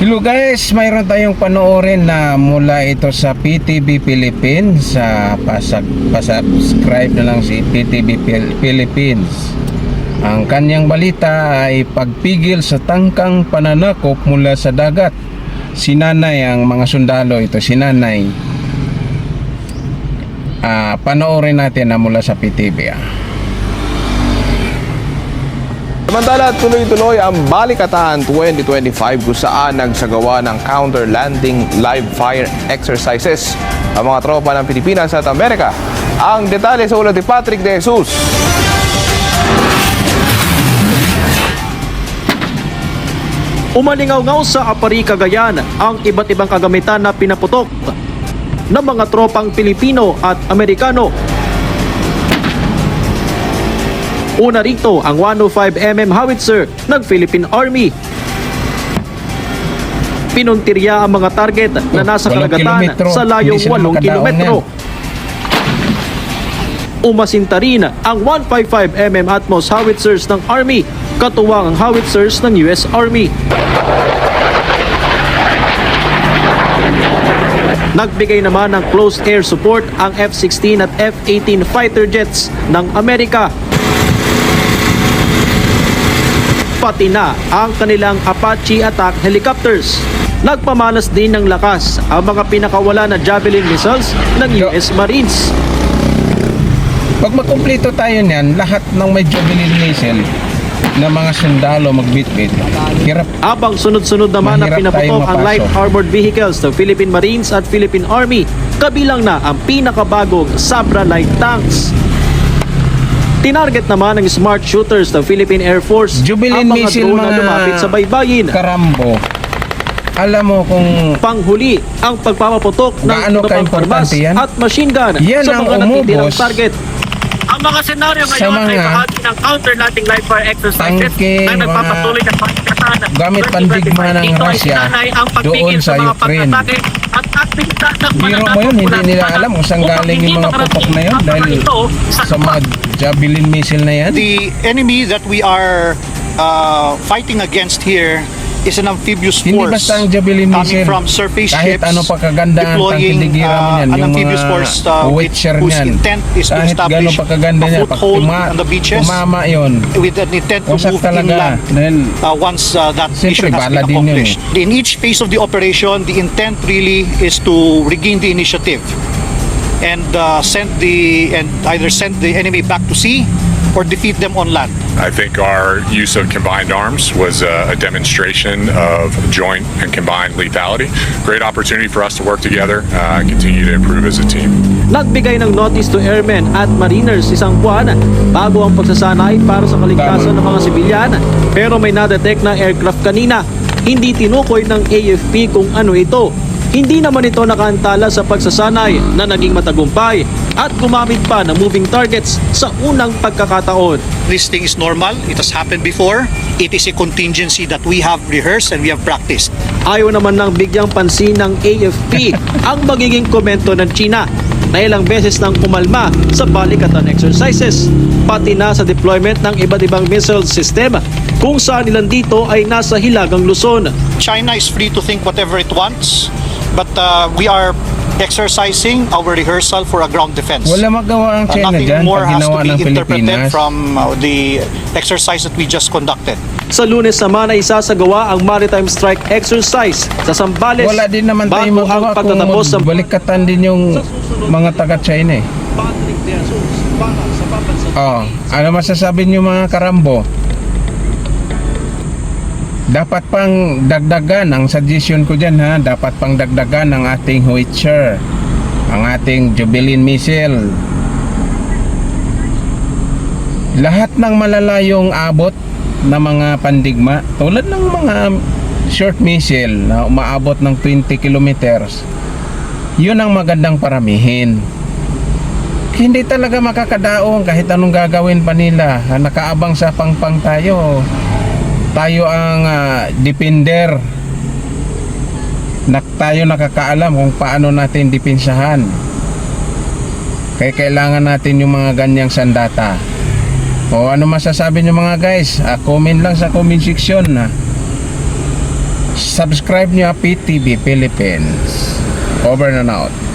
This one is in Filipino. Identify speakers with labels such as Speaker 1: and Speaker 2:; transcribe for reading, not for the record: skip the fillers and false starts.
Speaker 1: Hello guys, mayroon tayong panoorin na mula ito sa PTV Philippines. Pasubscribe na lang si PTV Philippines. Ang kanyang balita ay pagpigil sa tangkang pananakop mula sa dagat. Sinanay ang mga sundalo, ito sinanay. Panoorin natin na mula sa PTV.
Speaker 2: Samantala, tuloy-tuloy ang Balikatan 2025 kung saan nagsagawa ng counter-landing live fire exercises ang mga tropa ng Pilipinas at Amerika. Ang detalye sa ulat ni Patrick De Jesus.
Speaker 3: Umalingaw-ngaw sa Apari, Cagayan ang iba't ibang kagamitan na pinaputok ng mga tropang Pilipino at Amerikano. Una rito ang 105mm howitzer ng Philippine Army. Pinuntirya ang mga target na nasa karagatan sa layong 8 kilometro. Umasinta rin ang 155mm Atmos howitzers ng Army, katuwang ang howitzers ng US Army. Nagbigay naman ng close air support ang F-16 at F-18 fighter jets ng Amerika. Pati na ang kanilang Apache attack helicopters. Nagpamalas din ng lakas ang mga pinakawala na Javelin missiles ng US Marines.
Speaker 1: Pag makumpleto tayo niyan, lahat ng may Javelin missile na mga sundalo magbitbit, hirap.
Speaker 3: Abang sunod-sunod naman na
Speaker 1: Mahirap
Speaker 3: pinaputok
Speaker 1: tayong
Speaker 3: ang light
Speaker 1: mapasok.
Speaker 3: armored vehicles ng Philippine Marines at Philippine Army, kabilang na ang pinakabagong Sabra light tanks. Tinarget naman ng smart shooters ng Philippine Air Force
Speaker 1: Jubilin
Speaker 3: ang mga
Speaker 1: missile,
Speaker 3: drone na
Speaker 1: mga
Speaker 3: lumapit sa baybayin.
Speaker 1: Karambo. Alam mo kung
Speaker 3: Panghuli ang pagpapaputok ng
Speaker 1: gaano
Speaker 3: iba pang
Speaker 1: ka-importante
Speaker 3: armas
Speaker 1: yan?
Speaker 3: at machine gun
Speaker 1: Yan
Speaker 3: sa
Speaker 1: ang
Speaker 3: mga natitirang
Speaker 1: umubos
Speaker 3: target. Ang mga senaryo
Speaker 1: sa
Speaker 3: ngayon ay
Speaker 1: mga
Speaker 3: bahagi ng counter-landing live fire exercises
Speaker 1: tangke,
Speaker 3: na nagpapatuloy ng pagkakataon
Speaker 1: gamit pandigma ng Russia doon sa Ukraine.
Speaker 3: At aktibidad ng
Speaker 1: Biro mo yun, hindi nila alam kung saan galing yung mga putok na yun dahil sa mga Javelin missile na yan.
Speaker 4: The enemy that we are fighting against here is an amphibious
Speaker 1: Hindi
Speaker 4: force
Speaker 1: basta ang Javelin
Speaker 4: coming
Speaker 1: missile.
Speaker 4: from surface
Speaker 1: Kahit
Speaker 4: ships
Speaker 1: ano pa kaganda ang
Speaker 4: deploying
Speaker 1: tangkidigira mo yan,
Speaker 4: an
Speaker 1: yung
Speaker 4: amphibious
Speaker 1: mga
Speaker 4: force
Speaker 1: Witcher
Speaker 4: whose
Speaker 1: niyan.
Speaker 4: intent is to
Speaker 1: Kahit
Speaker 4: establish
Speaker 1: gano'n pa kaganda
Speaker 4: a
Speaker 1: niya, pag
Speaker 4: foothold on the beaches
Speaker 1: tumama yun,
Speaker 4: with an intent to
Speaker 1: wasak
Speaker 4: move
Speaker 1: talaga.
Speaker 4: inland
Speaker 1: Dahil
Speaker 4: once that
Speaker 1: Siyempre,
Speaker 4: mission has
Speaker 1: bala
Speaker 4: been
Speaker 1: din yun
Speaker 4: accomplished. In each phase of the operation, the intent really is to regain the initiative and either send the enemy back to sea or defeat them on land.
Speaker 5: I think our use of combined arms was a demonstration of joint and combined lethality. Great opportunity for us to work together and continue to improve as a team.
Speaker 3: Nagbigay ng notice to airmen at mariners isang buwan bago ang pagsasanay para sa kaligtasan ng mga sibilyan. Pero may nadetect na aircraft kanina. Hindi tinukoy ng AFP kung ano ito. Hindi naman ito nakaantala sa pagsasanay na naging matagumpay at gumamit pa ng moving targets sa unang pagkakataon.
Speaker 4: This thing is normal. It has happened before. It is a contingency that we have rehearsed and we have practiced.
Speaker 3: Ayaw naman ng bigyang pansin ng AFP ang magiging komento ng China na ilang beses nang umalma sa balikatan exercises, pati na sa deployment ng iba't ibang missile system kung saan ilan dito ay nasa hilagang Luzon.
Speaker 4: China is free to think whatever it wants, but we are exercising our rehearsal for a ground defense.
Speaker 1: wala magawa ang China
Speaker 4: Nothing
Speaker 1: dyan
Speaker 4: more
Speaker 1: pag
Speaker 4: has
Speaker 1: ginawa
Speaker 4: to
Speaker 1: ng
Speaker 4: be interpreted
Speaker 1: Pilipinas.
Speaker 4: from the exercise that we just conducted.
Speaker 3: Sa Lunes naman ay isasagawa ang maritime strike exercise sa Zambales
Speaker 1: Wala din naman tayo
Speaker 3: bago ang
Speaker 1: magawa kung
Speaker 3: pagtatapos sa
Speaker 1: balikatan din yung mga taga-China eh. Ano masasabi niyo mga karambo? Dapat pang dagdagan, ang suggestion ko dyan ha, dapat pang dagdagan ang ating Howitzer, ang ating Javelin missile. Lahat ng malalayong abot na mga pandigma, tulad ng mga short missile na umaabot ng 20 kilometers, yun ang magandang paramihin. Hindi talaga makakadaong kahit anong gagawin pa nila. Nakaabang sa pangpang tayo. Tayo ang defender. Tayo nakakaalam kung paano natin dipinsahan. Kaya kailangan natin yung mga ganyang sandata. O ano masasabi nyo mga guys? Comment lang sa comment section. subscribe nyo PTV Philippines. Over and out.